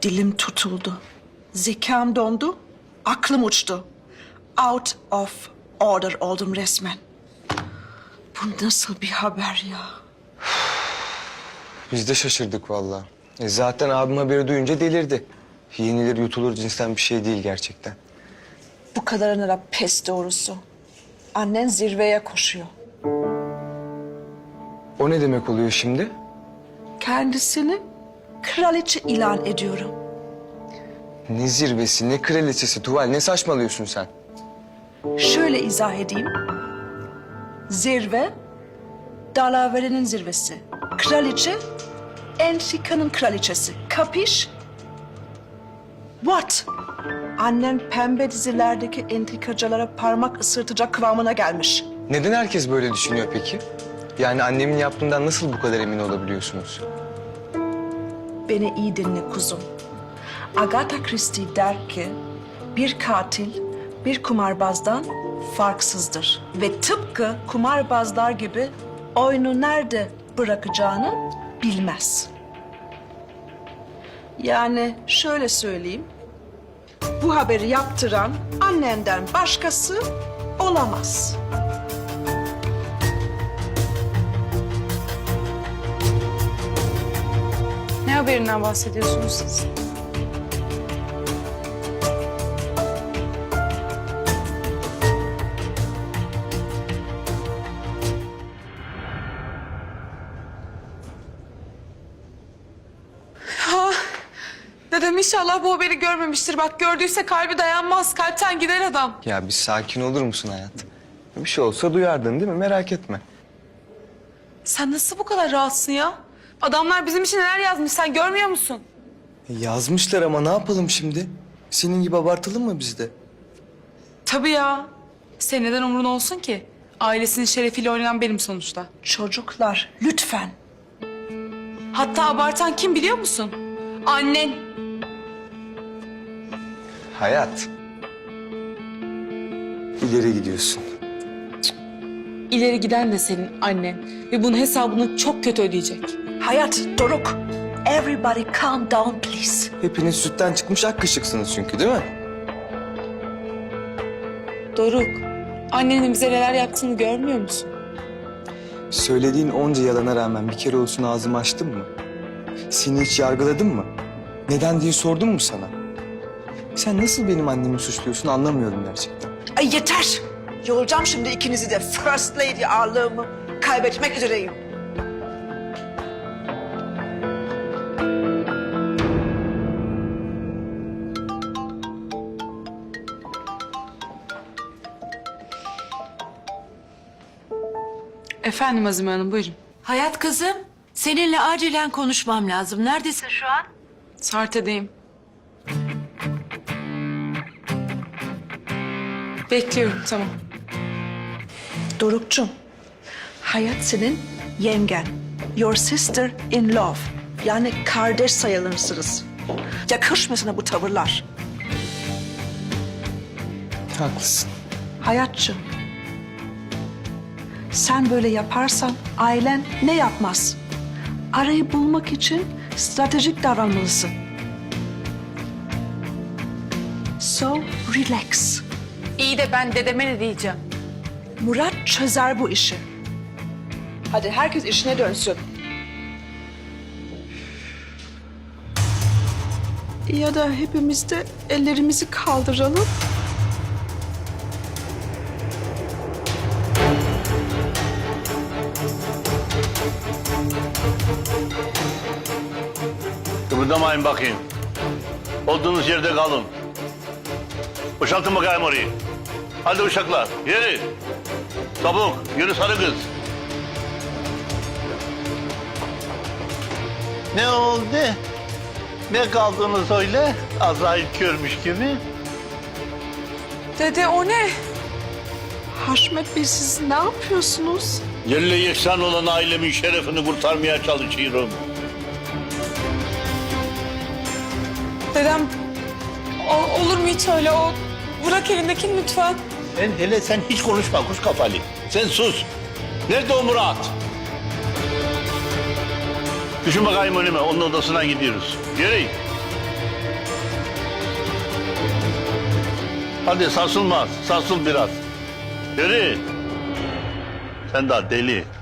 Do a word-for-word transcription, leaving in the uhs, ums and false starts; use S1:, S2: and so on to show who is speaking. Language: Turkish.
S1: Dilim tutuldu. Zekam dondu. Aklım uçtu. Out of order oldum resmen. Bu nasıl bir haber ya?
S2: Biz de şaşırdık vallahi. E zaten abim haberi duyunca delirdi. Yenilir yutulur cinsten bir şey değil gerçekten.
S1: Bu kadarına da pes doğrusu. Annen zirveye koşuyor.
S2: O ne demek oluyor şimdi?
S1: Kendisini kraliçe ilan ediyorum.
S2: Ne zirvesi, ne kraliçesi Tuval, ne saçmalıyorsun sen?
S1: Şöyle izah edeyim. Zirve, dalaverenin zirvesi. Kraliçe, entrikanın kraliçesi. Kapiş? What? Annen pembe dizilerdeki entrikacılara parmak ısırtacak kıvamına gelmiş.
S2: Neden herkes böyle düşünüyor peki? Yani annemin yaptığından nasıl bu kadar emin olabiliyorsunuz?
S1: Beni iyi dinle kuzum. Agatha Christie der ki bir katil bir kumarbazdan farksızdır. Ve tıpkı kumarbazlar gibi oyunu nerede bırakacağını bilmez. Yani şöyle söyleyeyim. Bu haberi yaptıran annenden başkası olamaz.
S3: Ne haberinden bahsediyorsunuz siz? Ya dedem inşallah bu haberi görmemiştir. Bak gördüyse kalbi dayanmaz. Kalpten gider adam.
S2: Ya bir sakin olur musun hayat? Bir şey olsa duyardın değil mi? Merak etme.
S3: Sen nasıl bu kadar rahatsın ya? Adamlar bizim için neler yazmış sen görmüyor musun?
S2: E, yazmışlar ama ne yapalım şimdi? Senin gibi abartalım mı biz de?
S3: Tabii ya. Senin neden umrun olsun ki? Ailesinin şerefiyle oynayan benim sonuçta.
S1: Çocuklar lütfen.
S3: Hatta abartan kim biliyor musun? Annen.
S2: Hayat. İleri gidiyorsun.
S3: İleri giden de senin annen. Ve bunun hesabını çok kötü ödeyecek.
S1: Hayat, Doruk. Everybody calm down please.
S2: Hepiniz sütten çıkmış ak kaşıksınız çünkü değil mi?
S3: Doruk, annenin bize neler yaptığını görmüyor musun?
S2: Söylediğin onca yalana rağmen bir kere olsun ağzımı açtın mı? Seni hiç yargıladın mı? Neden diye sordum mu sana? Sen nasıl benim annemi suçluyorsun anlamıyorum gerçekten.
S1: Ay yeter. Yoracağım şimdi ikinizi de. First Lady ağırlığımı kaybetmek üzereyim.
S3: Efendim Azime Hanım, buyurun.
S4: Hayat kızım, seninle acilen konuşmam lazım. Neredesin şu an?
S3: Sarte'deyim. Bekliyorum, tamam.
S1: Doruk'cum, Hayat senin yengen. Your sister in love. Yani kardeş sayılırsınız. Yakışmıyor sana bu tavırlar.
S2: Haklısın.
S1: Hayatçım, sen böyle yaparsan ailen ne yapmaz? Arayı bulmak için stratejik davranmalısın. So relax.
S3: İyi de ben dedeme ne diyeceğim?
S1: Murat çözer bu işi. Hadi herkes işine dönsün. Ya da hepimiz de ellerimizi kaldıralım.
S5: Kıpırdamayın bakayım. Olduğunuz yerde kalın. Boşaltın bakayım orayı. Hadi uşaklar, yürü. Çabuk, yürü sarı kız. Ne oldu? Ne kaldınız öyle? Azrail görmüş gibi.
S3: Dede o ne?
S1: Haşmet Bey siz ne yapıyorsunuz?
S5: Yerle yeksan olan ailemin şerefini kurtarmaya çalışıyorum.
S3: Dedem, o, olur mu hiç öyle? O bırak elindekini lütfen.
S5: Sen hele sen hiç konuşma kuş kafalı. Sen sus. Nerede o Murat? Düşün bakayım önüme. Onun odasına gidiyoruz. Yürü. Hadi sarsılmaz, sarsıl biraz. Yürü. Sen daha deli.